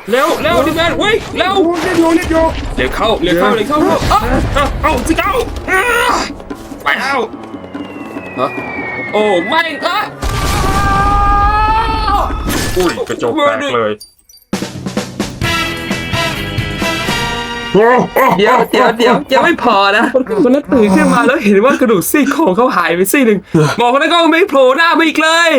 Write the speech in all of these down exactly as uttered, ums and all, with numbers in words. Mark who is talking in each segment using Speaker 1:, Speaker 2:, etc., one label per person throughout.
Speaker 1: เร็วเร็วดิแมนเฮ้ยเร็วเร็วเร็วเร็วเร็วเข้าเร็วเข้าเร็วเข้าเร็วเอ้าเอ้าสิเก้าไปแล้วฮะโอ้ไม่อะอุ้ยกระจกแตกเลยเดี๋ยวเดี๋ยวเดี๋ยวยังไม่พอนะคนนั้นตื่นขึ้นมาแล้วเห็นว่ากระดูกซี่โครงเขาหายไปซี่หนึ่งหมอคนนั้นก็ไม่โผล่หน้ามาอีกเลย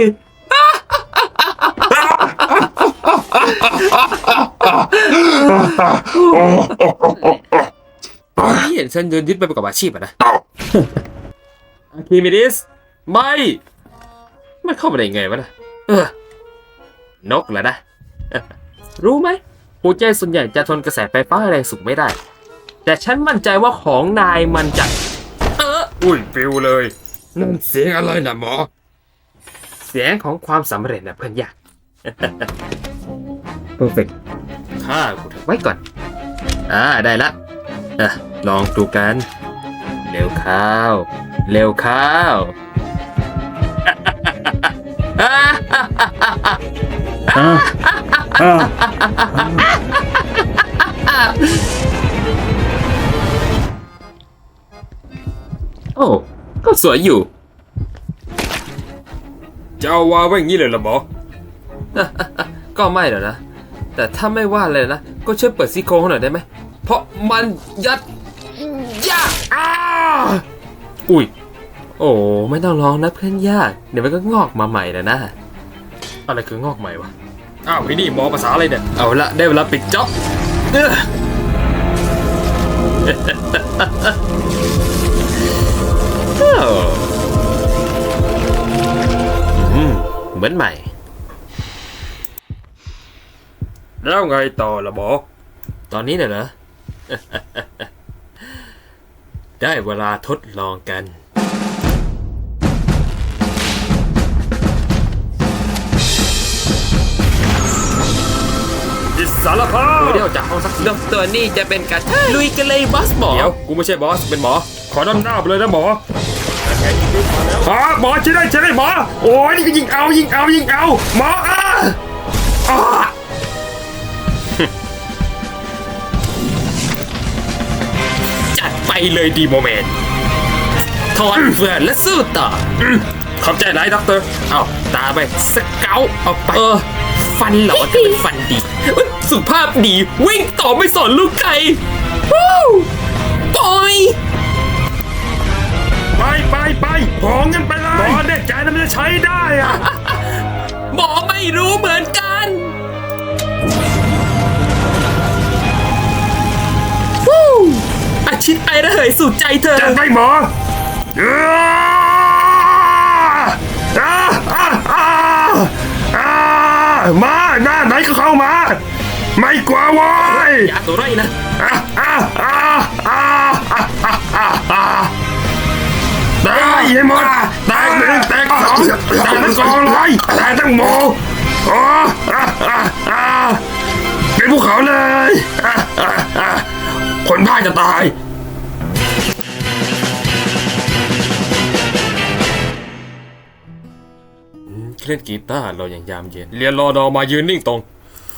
Speaker 1: ที่เห็นฉันเดินยึดไปประกอบอาชีพอะนะอาคิมิดิสไม่มันเข้ามาได้ไงวะนะเออนกเหรอนะรู้ไหมหัวใจส่วนใหญ่จะทนกระแสไฟฟ้าแรงสูงไม่ได้แต่ฉันมั่นใจว่าของนายมันจะเอออุ้ยปิวเลยนั่นเสียงอะไรนะหมอเสียงของความสำเร็จนะเพื่อนยากเพอร์เฟกต์ข้ากูถือไว้ก่อนอ่าได้ละอ่ะลองดูกันเร็วข้าวเร็วข้าวโอ้ก็สวยอยู่จะเอาวางไว้อย่างนี้เลยเหรอหมอ ก็ไม่หรอกนะแต่ถ้าไม่ว่าเลยนะก็ช่วยเปิดซี่โครงหน่อยได้ไหมเพราะมันยัดยากอ้าอุ้ยโอ้ไม่ต้องร้องนะเพื่อนยากเดี๋ยวมันก็งอกมาใหม่แล้วนะอะไรคืองอกใหม่วะอ้าวไอ้นี่หมอภาษาอะไรเนี่ยเอาละได้เวลาปิดจ็อบเหมือนใหม่แล้วไงต่อละหมอตอนนี้เนี่ยเหรอ ได้เวลาทดลองกันอิสระภาพเดี๋ยวจากห้องสักดตัวนี้จะเป็นการลุยกันเลยบอสหมอเดี๋ยวกูไม่ใช่บอสเป็นหมอขอนำหน้าไปเลยนะหมอฮะหมอใช่ได้ใช่ได้หมอโอ้ยนี่ก็ยิงเอายิงเอายิงเอาหมออ่ะอ่ะจัดไปเลยดีโมเมนต์ถอนเฟื่อนและสู้ต่อขอบใจหลายด็อกเตอร์เอาตาไปสเกลเอาไปเออฟันเหรอแต่เป็นฟันดีสุขภาพดีวิ่งต่อไม่สอนลูกไก่ปล่อยไปไปไปของกันไปเลยหมอเด็กใจมันจะใช้ได้อะหมอไม่รู้เหมือนกันอาชิตไอระเหยสู่ใจเธอจัดไปหมอมาหน้าไหนก็เข้ามาไม่กลัววายอย่าตัวไรนะได้ยังหมดแตกหนึ่งแตกสองแตกทั้งกองเลยแตกทั้งหมู่เป็นภูเขาเลยคนบ้าจะตายเล่นกีตาร์เราอย่างยามเย็นเรียนรอดอมายืนนิ่งตรง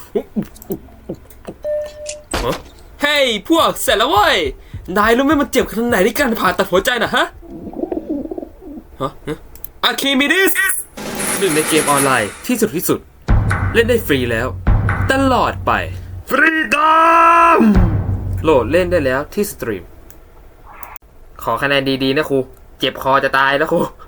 Speaker 1: เฮ้ยพวกเสร็จแล้วเว้ยนายรู้ไหมมันเจ็บขนาดไหนในการผ่าตัดหัวใจนะฮะฮะอาคิมิดิสหนึ่งในเกมออนไลน์ที่สุดที่สุดเล่นได้ฟรีแล้วตลอดไปฟรีดอมโหลดเล่นได้แล้วที่สตรีมขอคะแนนดีๆนะครูเจ็บคอจะตายแล้วครู